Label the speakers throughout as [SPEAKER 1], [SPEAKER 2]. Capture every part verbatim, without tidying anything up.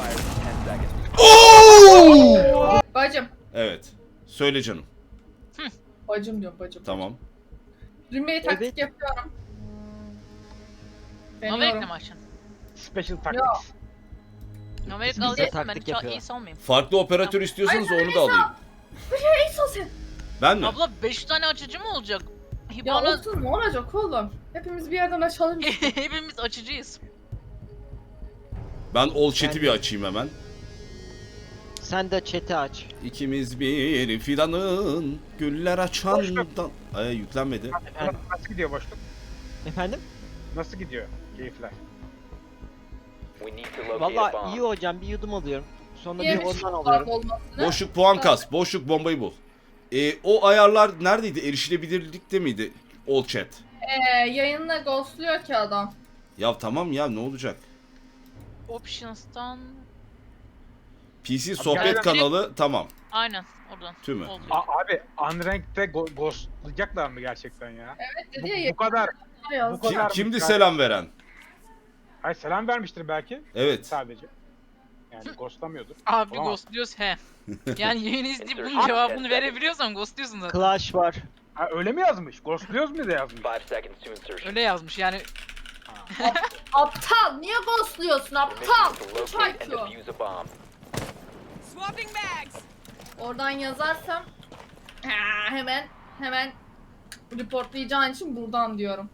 [SPEAKER 1] Oo!
[SPEAKER 2] Bacım.
[SPEAKER 1] Evet. Söyle canım.
[SPEAKER 2] Bacım diyorum bacım.
[SPEAKER 1] Tamam.
[SPEAKER 2] Rimmeyi taktik
[SPEAKER 3] Evet.
[SPEAKER 2] yapıyorum.
[SPEAKER 4] Novelik'le
[SPEAKER 2] Deniyorum.
[SPEAKER 4] mi açın?
[SPEAKER 5] Special tactics.
[SPEAKER 4] Novelik
[SPEAKER 3] Biz de
[SPEAKER 4] alacaksın ben
[SPEAKER 3] taktik
[SPEAKER 4] hiç
[SPEAKER 3] yapıyor.
[SPEAKER 4] iyi salmayayım.
[SPEAKER 1] Farklı operatör istiyorsanız onu da alayım.
[SPEAKER 2] Neyse sen.
[SPEAKER 1] Ben mi?
[SPEAKER 4] Abla beş tane açıcı mı olacak?
[SPEAKER 2] Ya
[SPEAKER 4] Bana
[SPEAKER 2] olsun ne olacak oğlum? Hepimiz bir yerden açalım.
[SPEAKER 4] hepimiz açıcıyız.
[SPEAKER 1] Ben all chat'i bir açayım hemen.
[SPEAKER 3] Sen de chat'i aç.
[SPEAKER 1] İkimiz bir fidanın güller açandan... Ay yüklenmedi.
[SPEAKER 3] Efendim?
[SPEAKER 5] Nasıl gidiyor boşluk?
[SPEAKER 3] Efendim?
[SPEAKER 5] Nasıl gidiyor keyifler?
[SPEAKER 3] Vallahi iyi hocam, bir yudum alıyorum. Sonra bir
[SPEAKER 2] Yemiş
[SPEAKER 3] ondan
[SPEAKER 2] kulağım
[SPEAKER 3] alıyorum.
[SPEAKER 2] olmasını.
[SPEAKER 1] Boşluk puan kas. Boşluk bombayı bul. Ee, o ayarlar neredeydi? Erişilebilirlikte miydi? All chat.
[SPEAKER 2] Ee, yayınla ghostluyor ki adam.
[SPEAKER 1] Ya tamam ya ne olacak?
[SPEAKER 4] Options'tan
[SPEAKER 1] P C sohbet
[SPEAKER 5] gerçekten-
[SPEAKER 1] kanalı tamam.
[SPEAKER 4] aynen oradan.
[SPEAKER 1] Tümü.
[SPEAKER 4] Oluyor.
[SPEAKER 5] A- abi Unranked'de go ghostlayacaklar mı gerçekten ya?
[SPEAKER 2] Evet
[SPEAKER 5] Bu,
[SPEAKER 2] dedi ya.
[SPEAKER 5] bu kadar.
[SPEAKER 2] yayınla
[SPEAKER 5] bu
[SPEAKER 1] Kim,
[SPEAKER 5] kadar-
[SPEAKER 1] kimdi selam veren?
[SPEAKER 5] Hayır selam vermiştir belki
[SPEAKER 1] Evet.
[SPEAKER 5] sadece. Yani ghostlamıyordur.
[SPEAKER 4] Abi
[SPEAKER 5] Olamaz.
[SPEAKER 4] ghostluyoruz he. Yani yayını izleyip bunun cevabını verebiliyorsan ghostluyorsun zaten.
[SPEAKER 3] Clash var.
[SPEAKER 5] Ha, öyle mi yazmış? Ghostluyoruz mu da yazmış?
[SPEAKER 4] Öyle yazmış yani.
[SPEAKER 2] Aptal niye ghostluyorsun aptal? Çay
[SPEAKER 6] Swapping bags.
[SPEAKER 2] Oradan yazarsam ha, hemen hemen reportlayacağın için buradan diyorum.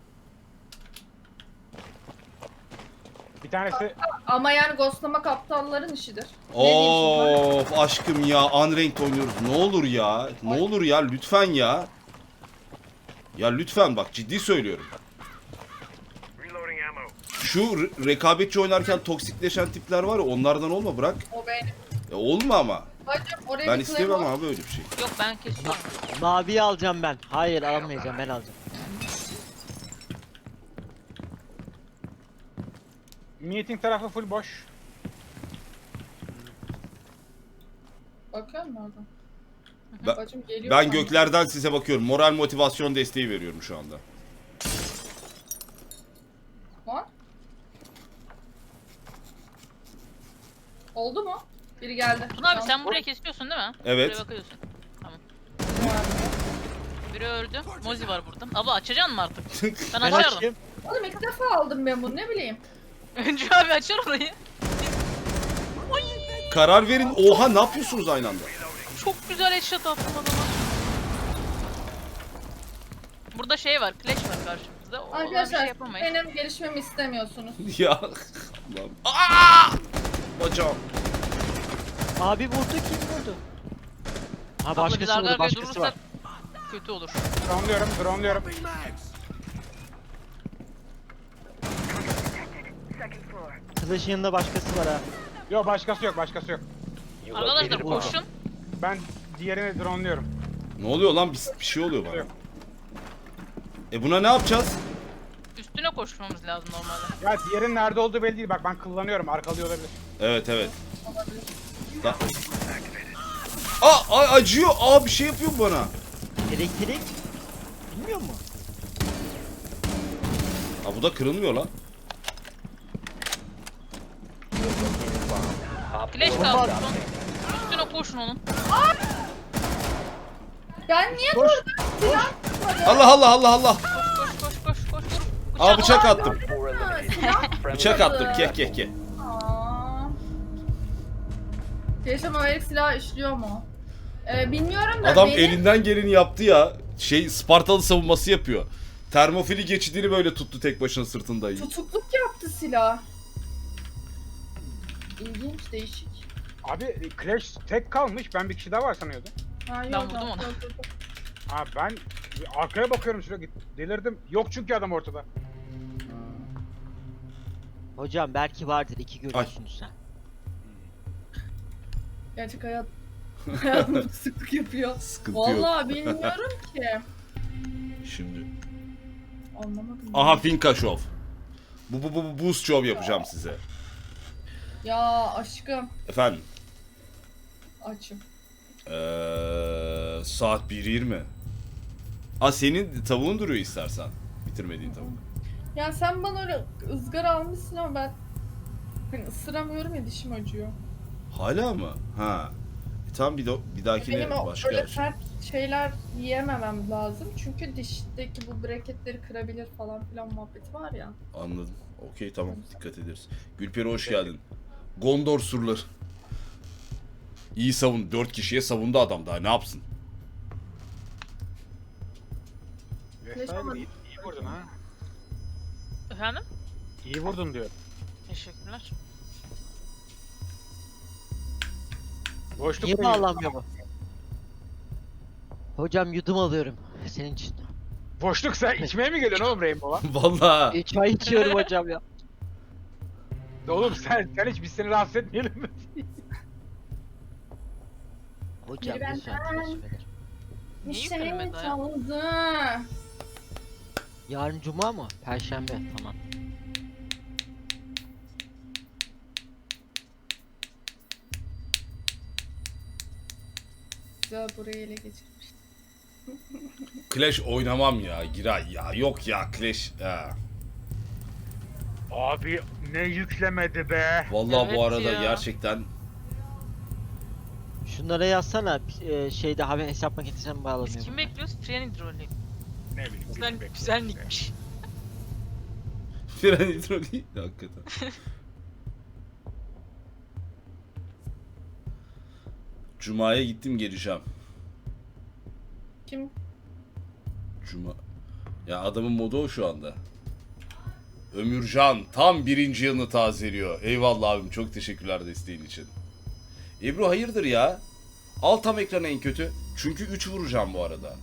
[SPEAKER 5] Bir tanesi
[SPEAKER 2] Ama yani ghostlamak aptalların işidir. Ne diyeyim şimdi?
[SPEAKER 1] Of aşkım ya Unranked oynuyoruz. Ne olur ya. Ne olur ya lütfen ya. Ya lütfen bak ciddi söylüyorum. Şu re- rekabetçi oynarken toksikleşen tipler var ya onlardan olma bırak.
[SPEAKER 2] O benim.
[SPEAKER 1] Ya olma ama.
[SPEAKER 2] Bacım oraya
[SPEAKER 1] Ben
[SPEAKER 2] bir
[SPEAKER 1] istemem
[SPEAKER 2] claim
[SPEAKER 1] abi öyle bir şey.
[SPEAKER 4] Yok ben kesiyorum.
[SPEAKER 3] Maviyi alacağım ben. Hayır almayacağım, ben alacağım.
[SPEAKER 5] meeting tarafı full boş.
[SPEAKER 2] Bakıyor musun oradan?
[SPEAKER 1] Ben,
[SPEAKER 2] Bacım geliyor.
[SPEAKER 1] ben
[SPEAKER 2] sandım.
[SPEAKER 1] göklerden size bakıyorum. Moral motivasyon desteği veriyorum şu anda.
[SPEAKER 2] Var. Oldu mu? Biri geldi.
[SPEAKER 4] Tuna abi
[SPEAKER 2] Tamam.
[SPEAKER 4] sen buraya kesiyorsun değil mi?
[SPEAKER 1] Evet.
[SPEAKER 4] Buraya bakıyorsun. Tamam. Biri öldü. Mozi var burada. Abla açacaksın mı artık? Ben
[SPEAKER 3] Ben
[SPEAKER 4] açarım.
[SPEAKER 3] açayım.
[SPEAKER 2] Oğlum ilk defa aldım ben bunu ne bileyim.
[SPEAKER 4] Öncü abi açar orayı.
[SPEAKER 1] Karar verin. Oha ne yapıyorsunuz aynı anda?
[SPEAKER 4] Çok güzel headshot attım adama. Burada şey var, Clash var karşımızda. O ona bir şey
[SPEAKER 2] Arkadaşlar
[SPEAKER 4] yapamayız.
[SPEAKER 2] benim gelişmemi istemiyorsunuz.
[SPEAKER 1] Ya Allah'ım. Aa! Bacağım.
[SPEAKER 3] Abi vurdu, kim vurdu? Ha
[SPEAKER 4] Abla biz
[SPEAKER 3] başkası
[SPEAKER 4] arda
[SPEAKER 3] vurdu,
[SPEAKER 4] arkaya
[SPEAKER 3] başkası
[SPEAKER 4] durursak
[SPEAKER 3] var.
[SPEAKER 4] kötü olur.
[SPEAKER 5] Drone'luyorum, drone'luyorum.
[SPEAKER 3] Clash'ın yanında başkası var ha.
[SPEAKER 5] Yok başkası yok, başkası yok.
[SPEAKER 4] Arkadaşlar
[SPEAKER 3] Vurdu.
[SPEAKER 4] koşun.
[SPEAKER 5] Ben diğerini drone'luyorum.
[SPEAKER 1] Ne oluyor lan? Bir, bir şey oluyor bana. E buna ne yapacağız?
[SPEAKER 4] Üstüne koşmamız lazım normalde.
[SPEAKER 5] Ya diğerinin nerede olduğu belli değil. Bak ben kullanıyorum, arkalıyor olabilir.
[SPEAKER 1] Evet evet. Da- Aa, ay, acıyor. Aa bir şey yapıyor bana.
[SPEAKER 3] Elektrik. Bilmiyor mu?
[SPEAKER 1] Aa bu da kırılmıyor lan.
[SPEAKER 4] Clash kaldı son. Üstüne koşun onun.
[SPEAKER 2] Ben niye
[SPEAKER 5] Koş.
[SPEAKER 2] vurdum? Silah tutmadı.
[SPEAKER 1] Allah Allah Allah Allah.
[SPEAKER 4] Koş koş koş koş koş. Vur.
[SPEAKER 1] Aa bıçak attım.
[SPEAKER 2] Ha, silah
[SPEAKER 1] Bıçak attım. Kek kek kek.
[SPEAKER 2] Aa. Yaşam öğrelik silah işliyor mu? Ee, bilmiyorum da
[SPEAKER 1] Adam
[SPEAKER 2] benim...
[SPEAKER 1] elinden geleni yaptı ya. Şey Spartalı savunması yapıyor. Termofili geçidini böyle tuttu tek başına sırtında.
[SPEAKER 2] Tutukluk yaptı silah. İlginç, değişik.
[SPEAKER 5] Abi Clash tek kalmış. Ben bir kişi daha var sanıyordum.
[SPEAKER 2] Ha, yok,
[SPEAKER 4] Ben vurdum
[SPEAKER 2] yok,
[SPEAKER 4] onu.
[SPEAKER 2] yok, yok.
[SPEAKER 5] Ha ben arkaya bakıyorum sürekli. Delirdim. Yok çünkü adam ortada.
[SPEAKER 3] Hocam belki vardır, iki görüyorsunuz sen.
[SPEAKER 2] Gerçek hayat hayatımda tutukluk yapıyor.
[SPEAKER 1] Sıkıntı yok.
[SPEAKER 2] Vallahi bilmiyorum ki.
[SPEAKER 1] Şimdi.
[SPEAKER 2] Anlamadım.
[SPEAKER 1] Aha Finka Show. Bu bu bu bu boost show yapacağım size.
[SPEAKER 2] Ya aşkım
[SPEAKER 1] Efendim.
[SPEAKER 2] açım.
[SPEAKER 1] Ee, saat bir yirmi. Aa senin tavuğun duruyor istersen. Bitirmediğin tavuk.
[SPEAKER 2] Ya sen bana öyle ızgara almışsın ama ben Ben ısıramıyorum ya, dişim acıyor.
[SPEAKER 1] Hala mı? Ha. E, tamam bir, de, bir dahakine
[SPEAKER 2] Benim o
[SPEAKER 1] başka
[SPEAKER 2] öyle
[SPEAKER 1] yer.
[SPEAKER 2] sert şeyler yiyememem lazım. Çünkü dişteki bu breketleri kırabilir falan filan muhabbeti var ya.
[SPEAKER 1] Anladım. Okey tamam dikkat ederiz. Gülperi hoş geldin. Gondor surları. İyi savun. Dört kişiye savundu adam daha ne yapsın?
[SPEAKER 5] Vesaire iyi, iyi vurdun ha.
[SPEAKER 4] Efendim?
[SPEAKER 5] İyi vurdun diyor.
[SPEAKER 4] Teşekkürler.
[SPEAKER 5] Boşluk
[SPEAKER 3] Niye
[SPEAKER 5] mu?
[SPEAKER 3] bağlanmıyor bu? Hocam yudum alıyorum senin için.
[SPEAKER 5] Boşluk sen içmeye mi geliyorsun oğlum Rainbow'a?
[SPEAKER 1] Vallahi.
[SPEAKER 3] E, çay içiyorum hocam ya.
[SPEAKER 5] Oğlum sen, sen hiç biz seni rahatsız etmeyelim mi?
[SPEAKER 3] Hocam
[SPEAKER 2] Biri benden-
[SPEAKER 3] lütfen teşekkür ederim.
[SPEAKER 2] Bir
[SPEAKER 4] Niye
[SPEAKER 2] şey
[SPEAKER 4] yüklemedi ya?
[SPEAKER 2] çaldı.
[SPEAKER 3] Yarın cuma mı? Perşembe tamam.
[SPEAKER 2] Güzel, burayı ele geçirmiş.
[SPEAKER 1] Clash oynamam ya Giray ya. Yok ya Clash. Ha.
[SPEAKER 5] Abi ne yüklemedi be.
[SPEAKER 1] Vallahi
[SPEAKER 4] Evet
[SPEAKER 1] bu arada
[SPEAKER 4] ya.
[SPEAKER 1] gerçekten
[SPEAKER 3] Şunlara yazsana e, şeyde haber hesap makinesine mi
[SPEAKER 4] Biz
[SPEAKER 3] bağlanıyor?
[SPEAKER 4] kim bekliyoruz? Fren hidroliği.
[SPEAKER 5] Ne bileyim.
[SPEAKER 4] Güzel,
[SPEAKER 5] bilmiyorum.
[SPEAKER 4] güzel nickmiş.
[SPEAKER 1] fren hidroliği hakikaten. Cuma'ya gittim geleceğim.
[SPEAKER 2] Kim?
[SPEAKER 1] Cuma. Ya adamın modu o şu anda. Ömürcan tam birinci yılını tazeliyor. Eyvallah abim çok teşekkürler desteğin için. Ebru hayırdır ya? Al tam ekranı en kötü. Çünkü üç vuracağım bu arada.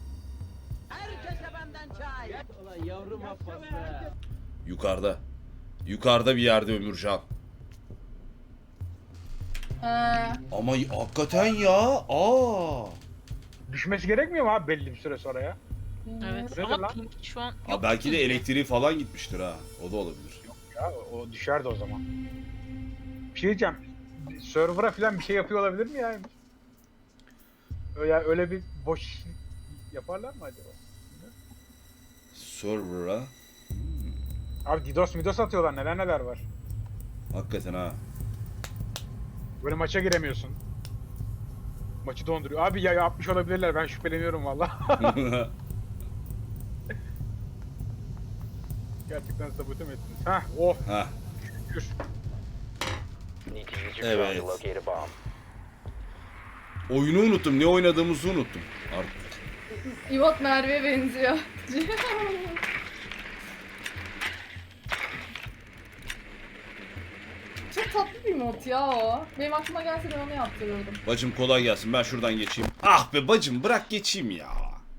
[SPEAKER 1] Yukarıda. Yukarıda bir yerde Ömürcan.
[SPEAKER 2] Ha,
[SPEAKER 1] Ama y- hakikaten ya. Aa.
[SPEAKER 5] Düşmesi gerekmiyor mu abi belli bir süre sonra ya?
[SPEAKER 4] Evet
[SPEAKER 5] Nedir
[SPEAKER 4] ama
[SPEAKER 5] lan?
[SPEAKER 4] pink şu an
[SPEAKER 1] Ha,
[SPEAKER 4] yok.
[SPEAKER 1] belki de elektriği falan gitmiştir ha. O da olabilir.
[SPEAKER 5] Ya o düşerdi o zaman. Bir şey diyeceğim. Server'a falan bir şey yapıyor olabilir mi yani? Öyle, öyle bir boş yaparlar mı acaba?
[SPEAKER 1] Server'a.
[SPEAKER 5] Abi DDoS midos atıyorlar, neler neler var.
[SPEAKER 1] Hakikaten ha.
[SPEAKER 5] Böyle maça giremiyorsun. Maçı donduruyor. Abi ya yapmış olabilirler, ben şüpheleniyorum valla. Gerçekten sabote mi ettiniz? Hah, oh,
[SPEAKER 1] ha.
[SPEAKER 5] şükür.
[SPEAKER 1] Evet. Oyunu unuttum. Ne oynadığımızı unuttum. Artık.
[SPEAKER 2] İvot Merve'ye benziyor. Çok tatlı bir mod ya o. Benim aklıma gelse ben onu yaptırırdım.
[SPEAKER 1] Bacım kolay gelsin. Ben şuradan geçeyim. Ah be bacım bırak geçeyim ya.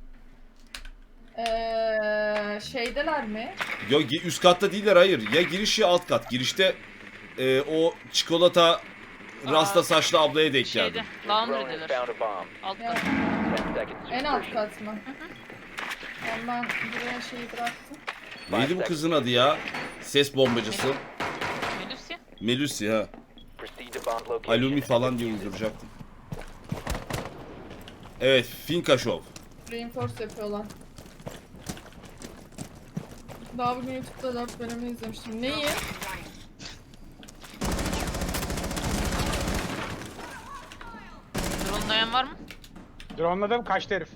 [SPEAKER 2] Eee şeydeler mi?
[SPEAKER 1] Ya ge- üst katta değiller hayır. Ya giriş ya alt kat. Girişte e, o çikolata rasta saçlı ablaya denk
[SPEAKER 4] Şeyde,
[SPEAKER 1] geldim.
[SPEAKER 4] laundry'deler. Alt
[SPEAKER 2] Ya,
[SPEAKER 4] kat.
[SPEAKER 2] en alt kat mı? Yani ben buraya şeyi bıraktım.
[SPEAKER 1] Neydi bu kızın adı ya? Ses bombacısı.
[SPEAKER 4] Melusya.
[SPEAKER 1] Melusi ha. Alumi falan diye uyduracaktım. Evet, Finka Show.
[SPEAKER 2] Reinforce yapıyorlar. Daha bugün YouTube'da dört bölümü izlemiştim. Neyi?
[SPEAKER 4] Drone'layan var mı?
[SPEAKER 5] Drone'ladım, kaçtı herif.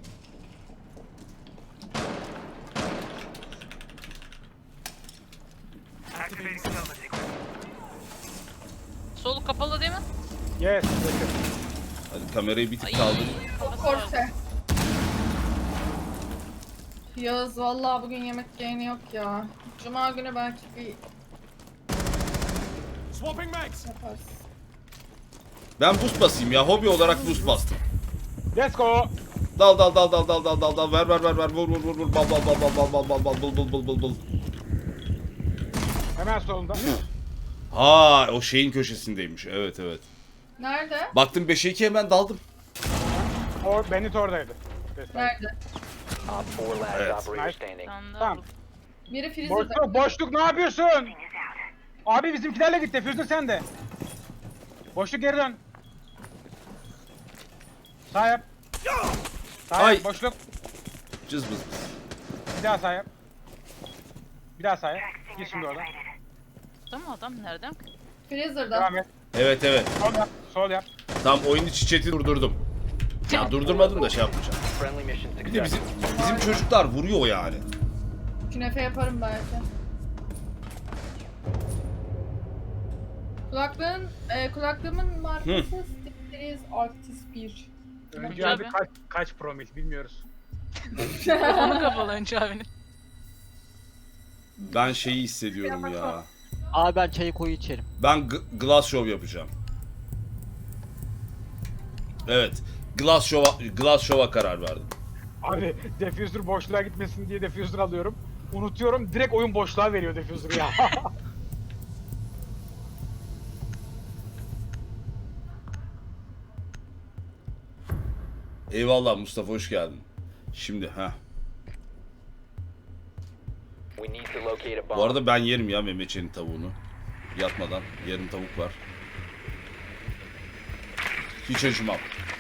[SPEAKER 4] Solu kapalı değil mi?
[SPEAKER 5] Yes, yes.
[SPEAKER 1] Hadi kamerayı bir tık
[SPEAKER 4] Ay,
[SPEAKER 1] kaldır.
[SPEAKER 4] kafası var.
[SPEAKER 2] Korse. Yağız vallahi bugün yemek yayını yok ya. Cuma günü belki bir yaparız.
[SPEAKER 1] Ben boost basayım ya. Hobi olarak boost bastım.
[SPEAKER 5] Let's go.
[SPEAKER 1] Dal dal dal dal dal dal dal dal ver ver ver ver vur vur vur vur bal bal bal bal bal bal bal bal bul bul bul bul bul.
[SPEAKER 5] Hemen solunda.
[SPEAKER 1] Ha o şeyin köşesindeymiş. Evet evet.
[SPEAKER 2] Nerede?
[SPEAKER 1] Baktım beşe iki hemen daldım.
[SPEAKER 5] O Bennett oradaydı.
[SPEAKER 2] Nerede?
[SPEAKER 1] Evet.
[SPEAKER 4] Tamam.
[SPEAKER 5] Tamam.
[SPEAKER 2] Biri Freezer'da.
[SPEAKER 5] Boşluk, boşluk ne yapıyorsun? Abi bizimkilerle git, defüzür sen de. Boşluk geri dön. Sağ yap. Sağ
[SPEAKER 1] Ay.
[SPEAKER 5] yap, boşluk.
[SPEAKER 1] Cız bız bız.
[SPEAKER 5] Bir daha sağ yap. Bir daha sağ yap. Git şimdi oradan.
[SPEAKER 4] Burada mı adam? Nereden?
[SPEAKER 2] Freezer'da.
[SPEAKER 5] Devam et.
[SPEAKER 1] Evet evet.
[SPEAKER 5] Sol yap. Sol yap.
[SPEAKER 1] Tam oyun içi chat'i durdurdum. Ya durdurmadım da şey yapmayacağım.
[SPEAKER 6] Friendly mission
[SPEAKER 1] Bir de bizim
[SPEAKER 6] success.
[SPEAKER 1] bizim çocuklar vuruyor yani.
[SPEAKER 2] Künefe yaparım belki. Kulaklığın, e, kulaklığımın markası Stepheres Arctis bir.
[SPEAKER 5] Önce
[SPEAKER 4] Tabii.
[SPEAKER 5] abi kaç, kaç promil bilmiyoruz.
[SPEAKER 4] Telefonu kapalı önce abinin.
[SPEAKER 1] Ben şeyi hissediyorum ya.
[SPEAKER 3] Abi ben çayı koyu içerim.
[SPEAKER 1] Ben g- glass show yapacağım. Evet. Glass show'a glass show'a karar verdim.
[SPEAKER 5] Abi diffuser boşluğa gitmesin diye diffuser alıyorum. Unutuyorum direkt oyun boşluğa veriyor diffuser'ı ya.
[SPEAKER 1] Eyvallah Mustafa, hoş geldin. Şimdi ha.
[SPEAKER 6] We need to locate a bomb.
[SPEAKER 1] Bu arada ben yerim ya Mehmetçiğin tavuğunu. Yatmadan yarım tavuk var. Hiç acımam.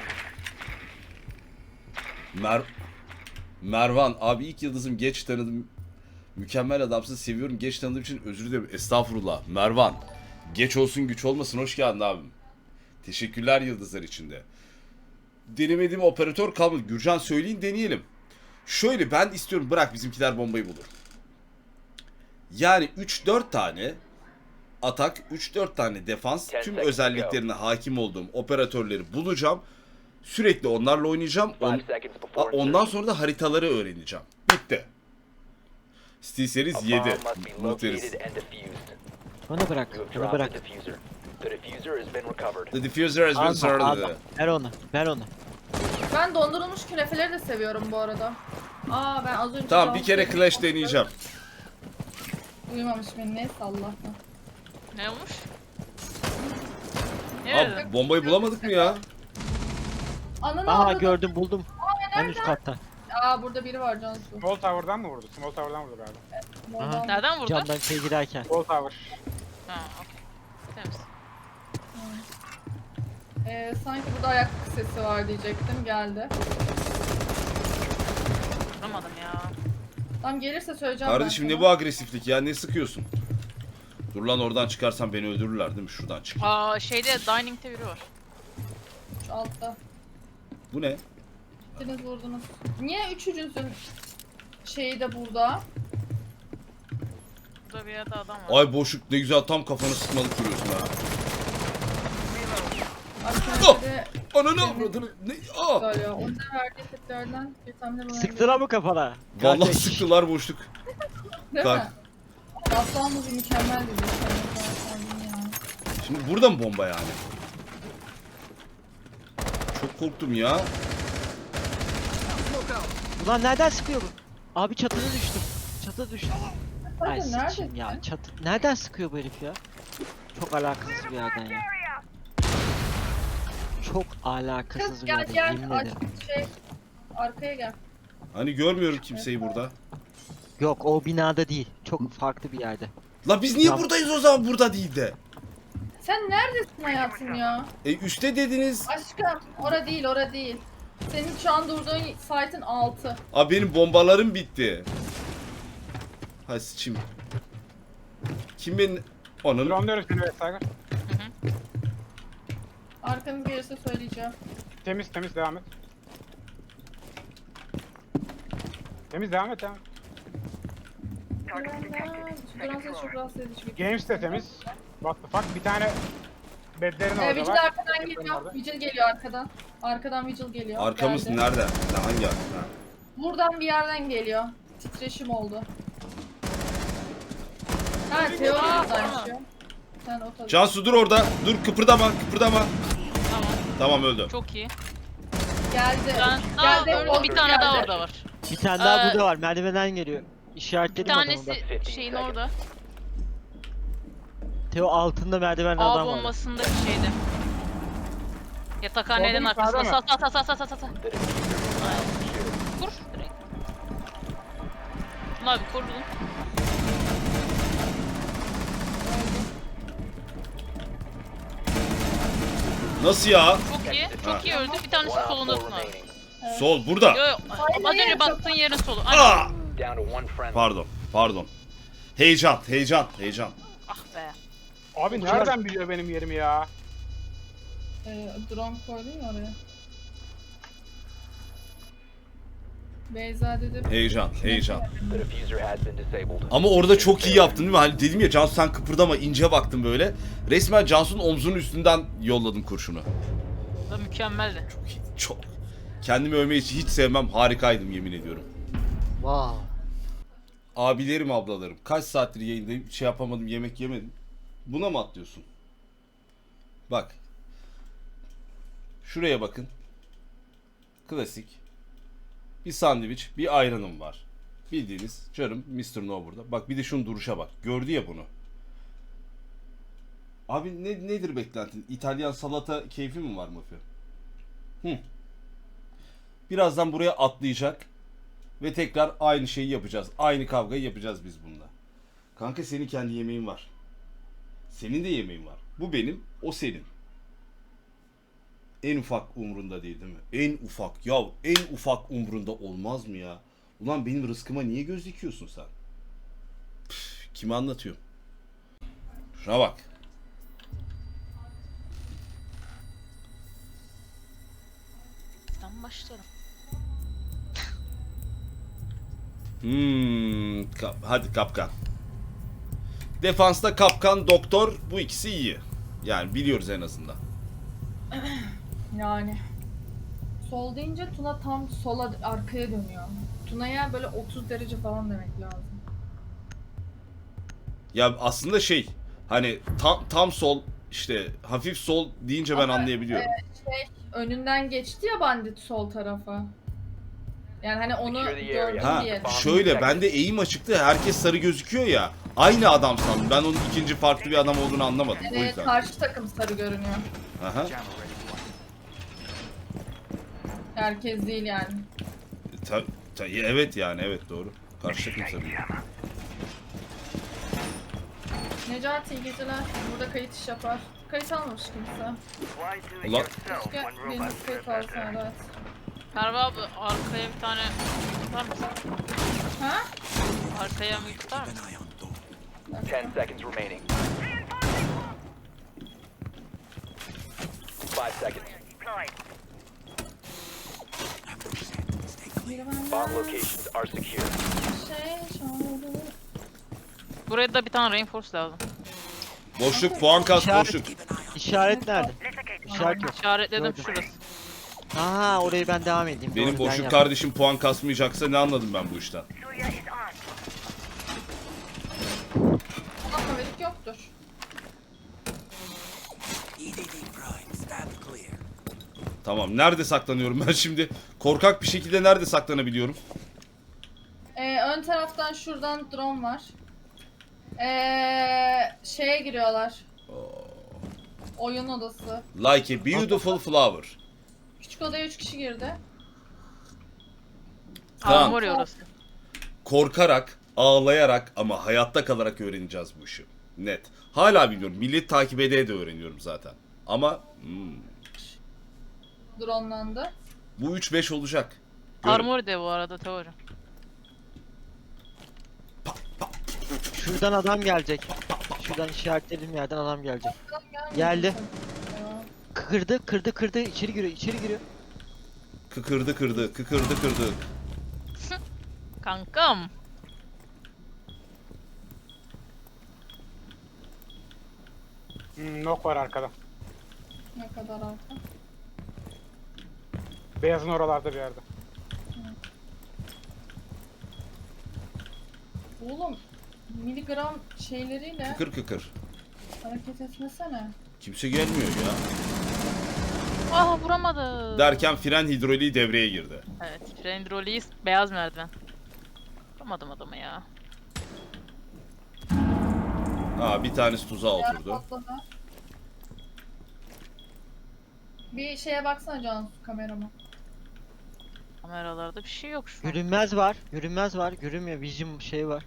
[SPEAKER 1] Mer Mervan abi, ilk yıldızım, geç tanıdım. Mükemmel adamsın, seviyorum. Geç tanıdığım için özür dilerim. Estağfurullah. Mervan. Geç olsun güç olmasın. Hoş geldin abim. Teşekkürler yıldızlar içinde. Denemediğim operatör kalmadı. Gürcan söyleyin, deneyelim. Şöyle ben istiyorum, bırak bizimkiler bombayı bulur. Yani üç dört tane atak, üç dört tane defans, tüm özelliklerine hakim olduğum operatörleri bulacağım. Sürekli onlarla oynayacağım. On-
[SPEAKER 6] Five seconds
[SPEAKER 1] A-
[SPEAKER 6] before
[SPEAKER 1] ondan
[SPEAKER 6] insertion.
[SPEAKER 1] sonra da haritaları öğreneceğim. Bitti. Steel
[SPEAKER 6] A
[SPEAKER 1] Series
[SPEAKER 6] bomb
[SPEAKER 1] yedi.
[SPEAKER 6] must be
[SPEAKER 1] Mutluyuz.
[SPEAKER 6] located and defused.
[SPEAKER 3] Bana bırak.
[SPEAKER 6] You have
[SPEAKER 3] Bana
[SPEAKER 6] dropped
[SPEAKER 3] bırak.
[SPEAKER 6] the diffuser. The diffuser has been recovered.
[SPEAKER 1] The diffuser has been
[SPEAKER 3] Alma,
[SPEAKER 1] started.
[SPEAKER 3] alma. Ver onu. Ver onu.
[SPEAKER 2] Ben dondurulmuş künefeleri de seviyorum bu arada. Aa ben az önce...
[SPEAKER 1] Tamam, bir kere
[SPEAKER 2] dans-
[SPEAKER 1] Clash deneyeceğim.
[SPEAKER 2] Uyumamış beni, neyse Allah'tan.
[SPEAKER 4] Ne olmuş? Ne dedin?
[SPEAKER 1] Abi bombayı bulamadık mı ya?
[SPEAKER 2] Ananı
[SPEAKER 3] Aha
[SPEAKER 2] avradım.
[SPEAKER 3] gördüm buldum. En üst katta.
[SPEAKER 2] Aa burada biri var Cansu.
[SPEAKER 5] Small Tower'dan mı vurdu? Small Tower'dan vurdu galiba.
[SPEAKER 2] Oradan-
[SPEAKER 4] Nereden vurdu?
[SPEAKER 3] Camdan şey girerken.
[SPEAKER 5] Small Tower.
[SPEAKER 4] Ha, okey. Temiz.
[SPEAKER 2] Ee, sanki burada ayak sesi var diyecektim, geldi.
[SPEAKER 4] Vuramadım ya.
[SPEAKER 2] Tam gelirse söyleyeceğim
[SPEAKER 1] Kardeşim
[SPEAKER 2] ben
[SPEAKER 1] ne bu agresiflik ya, ne sıkıyorsun? Dur lan, oradan çıkarsam beni öldürürler değil mi? Şuradan çık.
[SPEAKER 4] Aa şeyde dining'te biri var.
[SPEAKER 2] Şu altta.
[SPEAKER 1] Bu ne?
[SPEAKER 2] İkiniz vurdunuz. Niye üçüncüsün şeyi de burada?
[SPEAKER 4] Burada bir yerde adam var.
[SPEAKER 1] Ay boşluk, ne güzel tam kafanı sıkmalık duruyorsun ha.
[SPEAKER 2] Arkadaşları
[SPEAKER 1] Ananı avradını. Ne? Aa!
[SPEAKER 2] söylüyor. Onun da verdiği tepkilerden bir tahmin bulunabilir.
[SPEAKER 3] Sıktılar mı kafana?
[SPEAKER 1] Vallahi
[SPEAKER 3] Kardeş.
[SPEAKER 1] sıktılar boşluk.
[SPEAKER 2] Değil
[SPEAKER 1] Bak.
[SPEAKER 2] mi? Aslan Muzi mükemmel dedi. Yani.
[SPEAKER 1] Şimdi burada mı bomba yani? Çok korktum ya.
[SPEAKER 3] Ulan nereden sıkıyor bu? Abi çatıda düştüm. Çatıda düştüm. Ay
[SPEAKER 2] Zaten
[SPEAKER 3] sıçayım ya.
[SPEAKER 2] neredesin?
[SPEAKER 3] Çatı... Nereden sıkıyor bu herif ya? Çok alakasız bir yerden ya. Çok alakasız
[SPEAKER 2] Kız
[SPEAKER 3] bir
[SPEAKER 2] gel
[SPEAKER 3] yerden,
[SPEAKER 2] gel
[SPEAKER 3] yemin
[SPEAKER 2] aç
[SPEAKER 3] ederim.
[SPEAKER 2] şey arkaya gel.
[SPEAKER 1] Hani görmüyorum kimseyi burada.
[SPEAKER 3] Yok o binada değil. Çok farklı bir yerde.
[SPEAKER 1] La biz niye
[SPEAKER 3] Tamam.
[SPEAKER 1] buradayız o zaman, burada değil de?
[SPEAKER 2] Sen neredesin hayatım ya?
[SPEAKER 1] E üstte dediniz.
[SPEAKER 2] Aşkım ora değil ora değil. Senin şu an durduğun site'ın altı.
[SPEAKER 1] Abi benim bombalarım bitti. Hay sıçayım. Kim benim... Onun...
[SPEAKER 5] Drone'luyoruz seni evet Tiger.
[SPEAKER 2] Arkanız gelirse söyleyeceğim.
[SPEAKER 5] Temiz temiz devam et. Temiz devam et devam et.
[SPEAKER 2] Duran ses çok rahatsız edici bir.
[SPEAKER 5] Games de temiz. What the fuck? Bir tane bedlerin
[SPEAKER 2] Ee,
[SPEAKER 5] orada
[SPEAKER 2] Vigil
[SPEAKER 5] var.
[SPEAKER 2] arkadan
[SPEAKER 5] Bedlerin
[SPEAKER 2] geliyor.
[SPEAKER 5] orada.
[SPEAKER 2] Vigil geliyor arkadan. Arkadan Vigil geliyor.
[SPEAKER 1] Arkamız
[SPEAKER 2] Geldi.
[SPEAKER 1] nerede? Ne, hangi arka? Ha.
[SPEAKER 2] Buradan bir yerden geliyor. Titreşim oldu. Ha Teo
[SPEAKER 4] Aa,
[SPEAKER 2] buradaymış
[SPEAKER 4] tamam.
[SPEAKER 2] ya. Sen o tabii.
[SPEAKER 1] Cansu dur orada. Dur, kıpırdama kıpırdama.
[SPEAKER 4] Tamam.
[SPEAKER 1] Tamam, öldü.
[SPEAKER 4] Çok iyi.
[SPEAKER 2] Geldi.
[SPEAKER 4] Ben, aa,
[SPEAKER 2] Geldi.
[SPEAKER 4] öldü.
[SPEAKER 2] o
[SPEAKER 4] Bir tane
[SPEAKER 2] geldi.
[SPEAKER 4] daha orada var.
[SPEAKER 3] Bir tane daha
[SPEAKER 4] Ee,
[SPEAKER 3] burada var. Merdivenden geliyor.
[SPEAKER 4] Bir
[SPEAKER 3] İşaretledim adamı da.
[SPEAKER 4] tanesi şeyin orada.
[SPEAKER 3] Teo altında merdiven
[SPEAKER 4] A
[SPEAKER 3] adam var.
[SPEAKER 4] bombasındaki şeyde. Yatakhaneden
[SPEAKER 5] Bombanın
[SPEAKER 4] arkasında.
[SPEAKER 5] sağda
[SPEAKER 4] Sat sat sat sat sat sat.
[SPEAKER 6] The diffuser
[SPEAKER 4] Aynen. Vur direkt. Şunu abi korudun.
[SPEAKER 1] Nasıl ya?
[SPEAKER 4] Çok iyi. Çok
[SPEAKER 1] Ha.
[SPEAKER 4] iyi öldü. Bir tanesi
[SPEAKER 6] one op
[SPEAKER 4] solunda
[SPEAKER 6] four
[SPEAKER 4] tutun abi.
[SPEAKER 6] remaining.
[SPEAKER 1] Sol burada.
[SPEAKER 4] Yo yo. Az önce baktığın yerin solu. Ay,
[SPEAKER 1] Aa!
[SPEAKER 6] Down to one friendly.
[SPEAKER 1] Pardon, pardon. Heyecan, heyecan, heyecan.
[SPEAKER 4] ah be.
[SPEAKER 5] Abi
[SPEAKER 3] Uçar.
[SPEAKER 5] nereden biliyor benim yerimi ya?
[SPEAKER 2] Ee, drone koydun ya oraya. Beyza dedi.
[SPEAKER 1] Heyecan, heyecan.
[SPEAKER 6] The diffuser has been disabled.
[SPEAKER 1] Ama orada çok iyi yaptın değil mi? Hani dedim ya Cansu sen kıpırdama, ince baktın böyle. Resmen Cansu'nun omzunun üstünden yolladım kurşunu.
[SPEAKER 4] Bu da mükemmeldi.
[SPEAKER 1] Çok iyi, çok. Kendimi övmeyi hiç, hiç sevmem. Harikaydım yemin ediyorum.
[SPEAKER 3] Wow.
[SPEAKER 1] Abilerim, ablalarım. Kaç saattir yayındayım. Şey yapamadım, yemek yemedim. Buna mı atlıyorsun? Bak. Şuraya bakın. Klasik. Bir sandviç, bir ayranım var. Bildiğiniz canım mister No burada. Bak bir de şunun duruşa bak. Gördü ya bunu. Abi ne, nedir beklentin? İtalyan salata keyfi mi var mafya? Hı. Birazdan buraya atlayacak. Ve tekrar aynı şeyi yapacağız. Aynı kavgayı yapacağız biz bununla. Kanka senin kendi yemeğin var. Senin de yemeğin var. Bu benim, o senin. En ufak umrunda değil değil mi? En ufak. Ya en ufak umrunda olmaz mı ya? Ulan benim rızkıma niye göz dikiyorsun sen? Püf, kime anlatıyorum? Şuna bak.
[SPEAKER 4] Ben başlarım.
[SPEAKER 1] Hmm, kap- hadi kapkan. Defansta kapkan, doktor, bu ikisi iyi. Yani biliyoruz en azından.
[SPEAKER 2] Yani. Sol deyince Tuna tam sola arkaya dönüyor. Tuna'ya böyle otuz derece falan demek lazım.
[SPEAKER 1] Ya aslında şey, hani tam tam sol, işte hafif sol deyince ben
[SPEAKER 2] Ama,
[SPEAKER 1] anlayabiliyorum.
[SPEAKER 2] Şey, önünden geçti ya bandit sol tarafa. Yani hani onu
[SPEAKER 6] Secure the
[SPEAKER 2] gördüm
[SPEAKER 1] Ha,
[SPEAKER 2] diye.
[SPEAKER 1] şöyle bende eğim açıktı, herkes sarı gözüküyor ya. Aynı adam sandım. Ben onun ikinci farklı bir adam olduğunu anlamadım. O
[SPEAKER 2] Evet,
[SPEAKER 1] yüzden.
[SPEAKER 2] karşı takım sarı görünüyor.
[SPEAKER 1] Aha.
[SPEAKER 2] Herkes değil yani.
[SPEAKER 1] Ta, ta- evet yani evet doğru. Karşı takım sarı.
[SPEAKER 2] Necati iyi geceler. Burada kayıt iş yapar. Kayıt almamış kimse.
[SPEAKER 1] Ulan
[SPEAKER 2] Keşke biriniz kayıt alsın, evet.
[SPEAKER 4] Merve abi arkaya bir tane tutar mısın?
[SPEAKER 2] Ha?
[SPEAKER 4] Arkaya mı tutar mısın?
[SPEAKER 6] Ten seconds remaining. Five seconds.
[SPEAKER 2] Biri
[SPEAKER 6] Bomb
[SPEAKER 2] benden
[SPEAKER 6] locations are secure.
[SPEAKER 2] şey çaldı.
[SPEAKER 4] Buraya da bir tane reinforce lazım.
[SPEAKER 1] boşluk, puan kas,
[SPEAKER 3] İşaret-
[SPEAKER 1] boşluk.
[SPEAKER 3] İşaret nerede? İşaret yok.
[SPEAKER 4] İşaretledim
[SPEAKER 3] Gördüm.
[SPEAKER 4] şurası.
[SPEAKER 3] Aha orayı ben devam edeyim.
[SPEAKER 1] Benim
[SPEAKER 3] Doğru, ben
[SPEAKER 1] boşluk
[SPEAKER 3] yaptım.
[SPEAKER 1] kardeşim puan kasmayacaksa ne anladım ben bu işten?
[SPEAKER 2] Ama haberik yoktur.
[SPEAKER 1] Tamam, nerede saklanıyorum ben şimdi? Korkak bir şekilde nerede saklanabiliyorum?
[SPEAKER 2] Ee, ön taraftan şuradan drone var. Ee, şeye giriyorlar. Oyun odası.
[SPEAKER 1] Like a beautiful flower.
[SPEAKER 2] Küçük odaya üç kişi girdi.
[SPEAKER 1] Tamam.
[SPEAKER 4] Armor ya orası.
[SPEAKER 1] Korkarak, ağlayarak ama hayatta kalarak öğreneceğiz bu işi. Net. Hala biliyorum. Millet takip ede de öğreniyorum zaten. Ama hmm,
[SPEAKER 2] Dronelandı.
[SPEAKER 1] bu üç beş olacak. Görün.
[SPEAKER 4] Armor de bu arada teori.
[SPEAKER 3] Şuradan adam gelecek. Şuradan işaretlediğim yerden adam gelecek. Geldi. Kırdı, kırdı, kırdı. İçeri giriyor, içeri giriyor.
[SPEAKER 1] Kıkırdı kırdı, kıkırdı kırdı.
[SPEAKER 4] Kankam.
[SPEAKER 5] Hmm, nok var arkada.
[SPEAKER 2] Ne kadar arka.
[SPEAKER 5] Beyazın oralarda bir yerde.
[SPEAKER 2] Oğlum miligram şeyleriyle
[SPEAKER 1] Kıkır kıkır.
[SPEAKER 2] hareket etmesene.
[SPEAKER 1] Kimse gelmiyor ya.
[SPEAKER 4] Ah vuramadı.
[SPEAKER 1] Derken fren hidroliği devreye girdi.
[SPEAKER 4] Evet. Frendroli'yiz. Beyaz merdiven. Vuramadım adamı ya.
[SPEAKER 1] Ha, bir tanesi tuzağa
[SPEAKER 2] Yer
[SPEAKER 1] oturdu.
[SPEAKER 2] patladı. Bir şeye baksana Cansu kamerama.
[SPEAKER 4] Kameralarda bir şey yok şu an.
[SPEAKER 3] Görünmez var, görünmez var. Görünmüyor, vision şey var.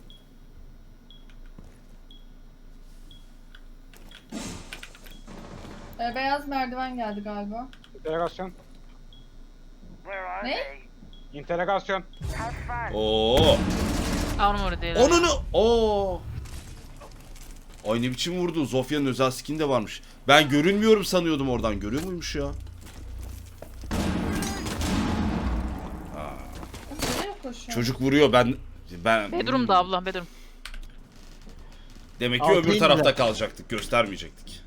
[SPEAKER 2] Ee, beyaz merdiven geldi galiba.
[SPEAKER 5] İnterrogasyon.
[SPEAKER 2] Ne?
[SPEAKER 5] İnterrogasyon.
[SPEAKER 1] Oo.
[SPEAKER 4] Armor değil.
[SPEAKER 1] Onunu. Oo. Ay ne biçim vurdu. Zofya'nın özel skin de varmış. Ben görünmüyorum sanıyordum oradan. Görüyor muymuş ya?
[SPEAKER 2] Nereye koşuyor?
[SPEAKER 1] Çocuk vuruyor ben... ben
[SPEAKER 4] Bedroom'da abla bedroom.
[SPEAKER 1] Demek ki
[SPEAKER 3] Altı
[SPEAKER 1] öbür
[SPEAKER 3] indiler.
[SPEAKER 1] tarafta kalacaktık. Göstermeyecektik.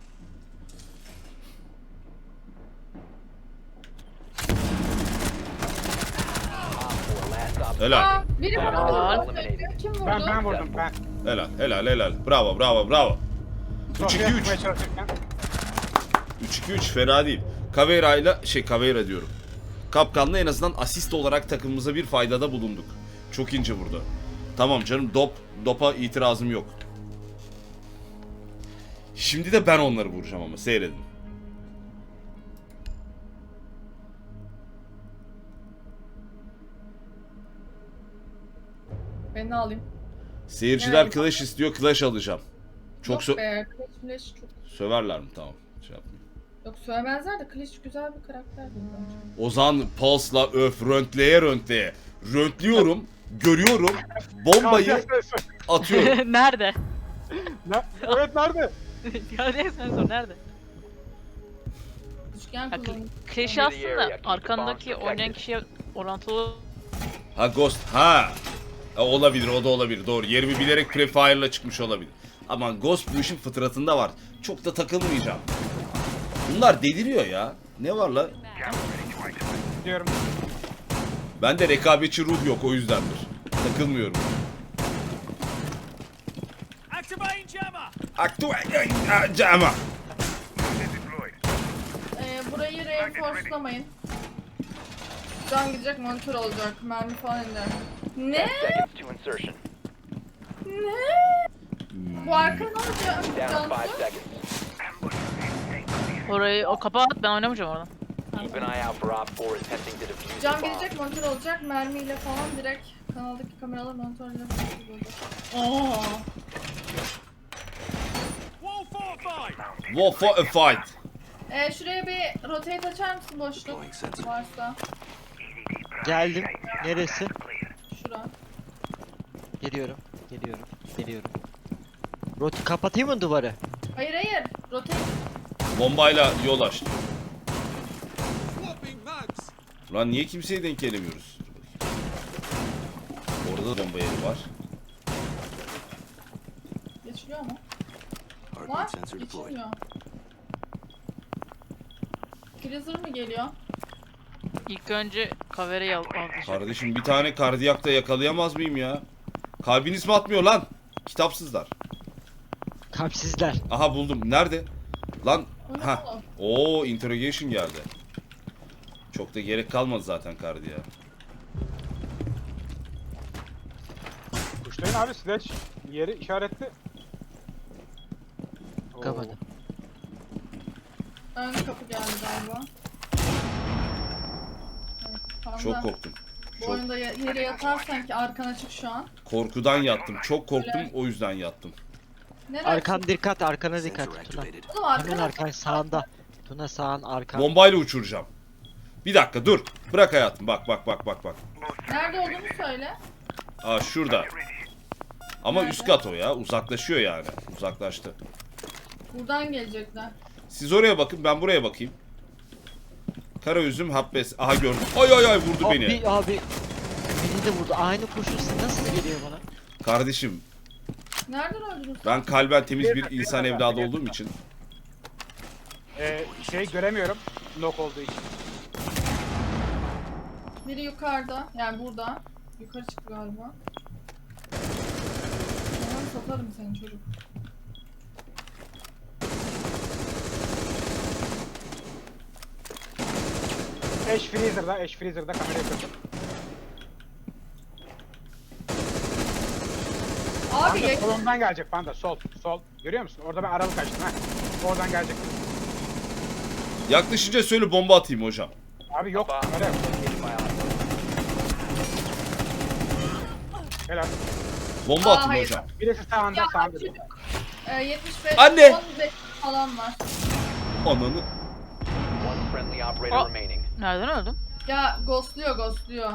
[SPEAKER 1] Helal.
[SPEAKER 2] Aa, biri
[SPEAKER 4] Helal.
[SPEAKER 2] vurdu. Kim vurdu?
[SPEAKER 5] Ben ben vurdum ben.
[SPEAKER 1] Helal. Helal. Helal. Bravo. Bravo. Bravo. üç iki
[SPEAKER 5] Sofya
[SPEAKER 1] üç.
[SPEAKER 5] tutmaya çalışırken.
[SPEAKER 1] üç iki üç fena değil. Caveira ile şey Caveira diyorum. Kapkan'la en azından asist olarak takımımıza bir faydada bulunduk. Çok ince vurdu. Tamam canım dop dopa itirazım yok. Şimdi de ben onları vuracağım ama seyredin.
[SPEAKER 2] Beni alayım.
[SPEAKER 1] Seyirciler
[SPEAKER 2] Evet.
[SPEAKER 1] Clash istiyor, Clash alacağım. Çok
[SPEAKER 2] Yok
[SPEAKER 1] sö-
[SPEAKER 2] be, Clash Flash çok...
[SPEAKER 1] söverler mi? Tamam. Şey yapmayayım.
[SPEAKER 2] Yok söylemezler de Clash güzel bir karakter değil bence.
[SPEAKER 1] O zaman Pulse'la öf röntleye röntleye. Röntliyorum, görüyorum, bombayı atıyorum.
[SPEAKER 4] Nerede?
[SPEAKER 5] Ne? Evet nerede?
[SPEAKER 4] Ya sen sor nerede?
[SPEAKER 2] Üçgen
[SPEAKER 4] Ya,
[SPEAKER 2] kullanım.
[SPEAKER 4] Clash'i aslında arkandaki oynayan kişiye orantılı
[SPEAKER 1] Ha Ghost, ha. Ha, olabilir, o da olabilir. Doğru. Yerimi bilerek Prefire'la çıkmış olabilir. Ama Ghost bu işin fıtratında var. Çok da takılmayacağım. Bunlar deliriyor ya. Ne var la?
[SPEAKER 5] Diyorum.
[SPEAKER 1] Bende rekabetçi ruh yok, o yüzdendir. Takılmıyorum. Activate Jammer.
[SPEAKER 2] Ee, burayı reinforcelamayın. Can gidecek, monitör olacak, mermi falan iner. Ne?
[SPEAKER 6] ten seconds to insertion.
[SPEAKER 2] Ne? Bu arka ne olacak?
[SPEAKER 6] Down to
[SPEAKER 2] Cansu?
[SPEAKER 6] five seconds.
[SPEAKER 4] orayı o kapağı at ben oynamayacağım oradan.
[SPEAKER 6] Keep an eye out for Op four attempting to defuse the
[SPEAKER 2] Can
[SPEAKER 6] bomb.
[SPEAKER 2] gelecek, monitör olacak, mermiyle falan direkt kanaldaki kameralar monitörle olacak. Oo.
[SPEAKER 1] War for a fight.
[SPEAKER 2] Ee, şuraya bir rotate açar mısın boşluk varsa?
[SPEAKER 3] Geldim. Neresi?
[SPEAKER 2] Şura.
[SPEAKER 3] Geliyorum. Geliyorum. Geliyorum. Roti kapatayım mı duvarı?
[SPEAKER 2] Hayır hayır, rotate.
[SPEAKER 1] Bombayla yol açtı. Lan niye kimseye denk gelemiyoruz? Orada da bomba yeri var.
[SPEAKER 2] Geçiliyor mu? Var, geçilmiyor. Freezer mı geliyor?
[SPEAKER 4] İlk önce kavereyi al alacak.
[SPEAKER 1] Kardeşim bir tane kardiyakta yakalayamaz mıyım ya? Kalbiniz mi atmıyor lan? Kitapsızlar.
[SPEAKER 3] Kalpsizler.
[SPEAKER 1] Aha buldum. Nerede? Lan.
[SPEAKER 2] O ne
[SPEAKER 1] Ha.
[SPEAKER 2] oğlum?
[SPEAKER 1] Oo interrogation geldi. Çok da gerek kalmadı zaten kardiya.
[SPEAKER 5] Kuşlayın abi Sledge yeri işaretli. Oo.
[SPEAKER 3] Kapadı.
[SPEAKER 2] Ön kapı geldi galiba. Evet, panda.
[SPEAKER 1] Çok korktum.
[SPEAKER 2] Bu
[SPEAKER 1] Çok
[SPEAKER 2] oyunda ya- yere yatarsan ki arkan açık şu an.
[SPEAKER 1] korkudan yattım. Çok korktum, o yüzden yattım.
[SPEAKER 2] Nereye
[SPEAKER 3] Arkan dikkat, arkana dikkat. Tuna.
[SPEAKER 2] Oğlum arkan
[SPEAKER 3] Hemen
[SPEAKER 2] açık.
[SPEAKER 3] arkan sağında. Tuna sağın arkan.
[SPEAKER 1] Bombayla uçuracağım. Bir dakika dur. Bırak hayatım. Bak bak bak bak bak.
[SPEAKER 2] Nerede olduğunu söyle.
[SPEAKER 1] Aa şurada. Ama
[SPEAKER 2] Nerede?
[SPEAKER 1] üst kat o ya. Uzaklaşıyor yani. Uzaklaştı.
[SPEAKER 2] Buradan gelecekler.
[SPEAKER 1] Siz oraya bakın, ben buraya bakayım. Kara üzüm habbes. Aha gördüm. Ay ay ay vurdu
[SPEAKER 3] Abi,
[SPEAKER 1] beni.
[SPEAKER 3] abi. Beni de vurdu. Aynı kurşun nasıl geliyor bana?
[SPEAKER 1] Kardeşim
[SPEAKER 2] Nereden öldünüz?
[SPEAKER 1] ben kalben temiz bir
[SPEAKER 5] Bir-
[SPEAKER 1] insan
[SPEAKER 5] bir-
[SPEAKER 1] evladı
[SPEAKER 5] bir-
[SPEAKER 1] olduğum için.
[SPEAKER 5] Ee, şey göremiyorum. Knock olduğu için.
[SPEAKER 2] Biri yukarıda. Yani burada. Yukarı çıktı galiba. Tamam, satarım seni çocuk.
[SPEAKER 5] Ash Freezer'da, Ash Freezer'da kamerayı kırdım.
[SPEAKER 2] Abi
[SPEAKER 5] Panda
[SPEAKER 2] ya
[SPEAKER 5] solundan gelecek Panda, sol, sol. Görüyor musun? Orada ben aralık açtım ha. Oradan gelecek.
[SPEAKER 1] Yaklaşınca söyle bomba atayım hocam.
[SPEAKER 5] Abi yok,
[SPEAKER 6] Bomb
[SPEAKER 5] kamera yok.
[SPEAKER 6] located by Op four.
[SPEAKER 5] Helal.
[SPEAKER 1] Bomba
[SPEAKER 2] Aa,
[SPEAKER 1] atayım
[SPEAKER 2] hayır.
[SPEAKER 1] hocam.
[SPEAKER 5] Birisi sağında,
[SPEAKER 2] Ya
[SPEAKER 5] sağında.
[SPEAKER 2] çocuk. E, yetmiş beş,
[SPEAKER 1] Anne!
[SPEAKER 2] on beş falan var.
[SPEAKER 1] Ananı.
[SPEAKER 6] One friendly operator
[SPEAKER 4] Oh.
[SPEAKER 6] remaining.
[SPEAKER 4] Nereden öldün?
[SPEAKER 2] Ya ghostluyor ghostluyor.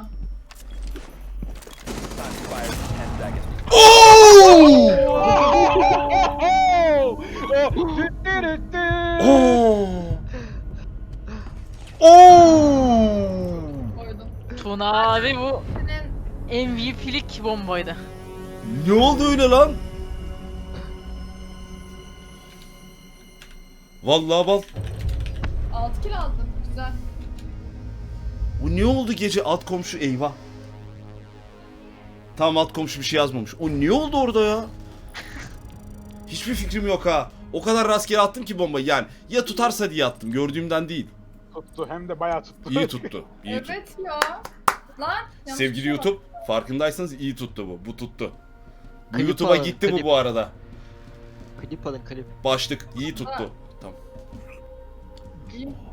[SPEAKER 6] Time expires in ten seconds.
[SPEAKER 1] Oo!
[SPEAKER 5] Oh! Tüt tüt tüt.
[SPEAKER 1] Oo. Oo.
[SPEAKER 2] Koydum.
[SPEAKER 4] Tuna abi bu
[SPEAKER 2] Senin
[SPEAKER 4] M V P'lik bombaydı.
[SPEAKER 1] Ne oldu öyle lan? Vallahi bal.
[SPEAKER 2] altı kill aldın. Güzel.
[SPEAKER 1] Bu ne oldu gece alt komşu eyvah. Tamam alt komşu bir şey yazmamış. O ne oldu orada ya? Hiçbir fikrim yok ha. O kadar rastgele attım ki bombayı yani. Ya tutarsa diye attım gördüğümden değil.
[SPEAKER 5] Tuttu hem de bayağı tuttu.
[SPEAKER 1] İyi tuttu. İyi tuttu.
[SPEAKER 2] Evet ya. Lan. yanlış
[SPEAKER 1] Sevgili
[SPEAKER 2] bir şey
[SPEAKER 1] YouTube farkındaysanız iyi tuttu bu. Bu tuttu. Bu
[SPEAKER 3] Klip
[SPEAKER 1] YouTube'a
[SPEAKER 3] alın,
[SPEAKER 1] gitti bu
[SPEAKER 3] klip.
[SPEAKER 1] bu arada.
[SPEAKER 3] Klip alın klip.
[SPEAKER 1] Başlık iyi tuttu. Tamam.
[SPEAKER 2] var. İyi.